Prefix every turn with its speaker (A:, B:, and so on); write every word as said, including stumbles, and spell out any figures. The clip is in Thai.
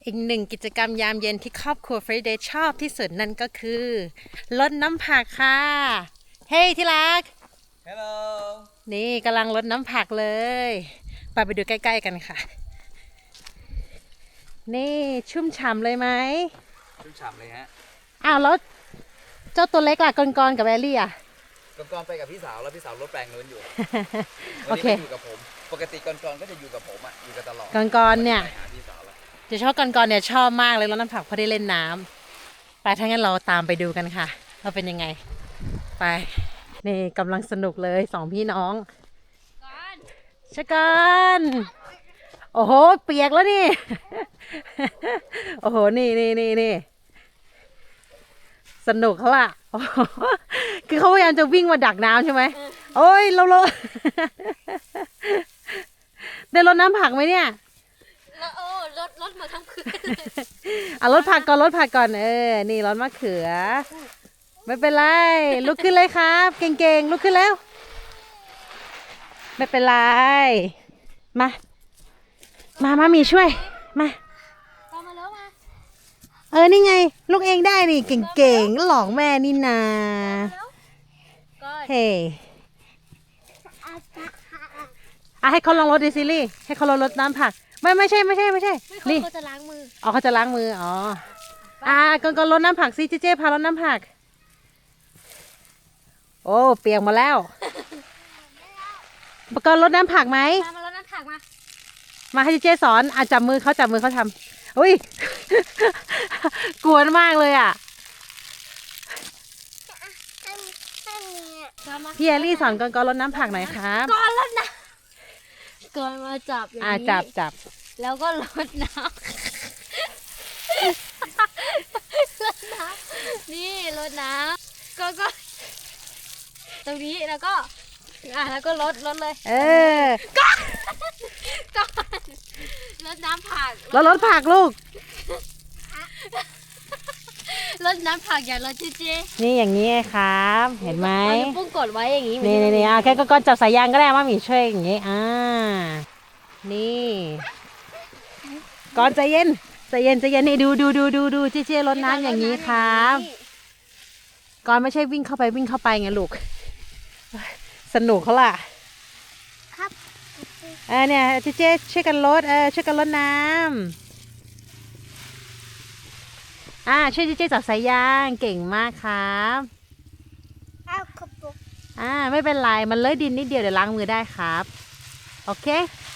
A: อีกหนึ่งกิจกรรมยามเย็นที่ครอบครัวเฟรเดย์ชอบที่สุดนั่นก็คือรดน้ำผักค่ะ เฮ้ยที่รัก
B: Hello
A: นี่กำลังรดน้ำผักเลยไปไปดูใกล้ๆกันค่ะ นี่ชุ่มฉ่ำเลยไหม
B: ชุ่มฉ่ำเลยฮะ
A: อ้าวแล้วเจ้าตัวเล็กล่ะกอนๆกับแอลลี่อ่ะ
B: กอนๆไปกับพี่สาวแล้วพี่สาวรถแปลงนู้นอยู่
A: โอ
B: วัน
A: เค
B: นี้ไม่อยู่กับผม ปกติกอนๆก็จะอยู่กับผมอ่ะ อยู่กันตลอด
A: กอนๆเนี่ย
B: ไปหาพี่สาวแล้ว
A: จะชอบกอนๆเนี่ยชอบมากเลยรดน้ำผักเพราะได้เล่นน้ำไปถ้างั้นเราตามไปดูกันค่ะว่าเป็นยังไง ไปนี่กำลังสนุกเลยสองพี่น้องชะกันโอ้โหเปียกแล้วนี่ โอ้โหนี่นี่นี่นี่สนุกเขาล่ะ โอ้โหคือเขาพยายามจะวิ่งมาดักน้ำใช่ไหมโอ้ยเราเรา ได้รดน้ำผักไหมเนี่ย
C: แล้วโอ้รถรถมาทั้งคืนเลย
A: เอารถผักก่อนรถผักก่อนเออนี่รถมะเขือ ไม่เป็นไรลุกขึ้นเลยครับ เก่งๆลุกขึ้นแล้ว ไม่เป็นไรมามามามีช่วยมา
C: ตามมาแล้วมา
A: เออนี่ไงลูกเองได้นี่เก่งๆหลอกแม่นี่นา
C: แล้วก็
A: เฮ้อ่ะให้เขาลองรถดิซิลี่ให้เขาลองรถน้ำผักไม่ไม่ใช่ไม่ใช่ไม่ใช่
C: ไม่
A: ลี่
C: เขาจะล้างมือ
A: อ๋อเขาจะล้างมืออ๋ออ่ะก่อนก่อนรดน้ำผักสิเจ๊เจ๊พารดน้ำผักโอ้เปียกหมาแล้วก่อนรดน้ำผักไหม
C: มามารถน้ำผักมา
A: มาให้เจ๊สอนอ่ะจับมือเขาจับมือเขาทำอุ้ย กวนมากเลยอ่ะ
C: ก่อนมา
A: พี่แอลลี่สอนก่อนก่อนรดน้ำผักหน่อยครับ
C: ก่อนรถน้ำก่อนมาจับอย่าง
A: อ่ะ
C: นี้
A: จับจับ
C: แล้วก็รดน้ำรดน้ำนี่รดน้ำก็ก็ตรงนี้แล้วก็อ่ะแล้วก็รดรดเลย
A: เออ
C: ก่อนรดน้ำผัก
A: แล้วรถผักลูก
C: รดน้ำผักอย่ารดเจ๊เจ๊
A: นี่อย่างนี้ไงครับ เห็นไหม
C: เอานิ้วโป้งกดไว้อย่างนี้
A: นี่นี่นี่อ่ะแค่ก็จับสายยางก็ได้มามีช่วยอย่างงี้อ่านี่ก่อนใจเย็นใจเย็นใจเย็นนี่ดูดูดูดูดูเจ๊เจ๊รดน้ำอย่างนี้ครับก่อนไม่ใช่วิ่งเข้าไปวิ่งเข้าไปไงลูกสนุกเขาล่ะ
C: ครับ
A: เออเนี่ยเจ๊เจ๊ช่วยกันรดเออช่วยกันรดน้ำอ่าช่วยเจ๊เจ๊จับสายยางเก่งมากครับ
C: เอาขบุก
A: อ่าไม่เป็นไรมันเลอะดินนิดเดียวเดี๋ยวล้างมือได้ครับโอเค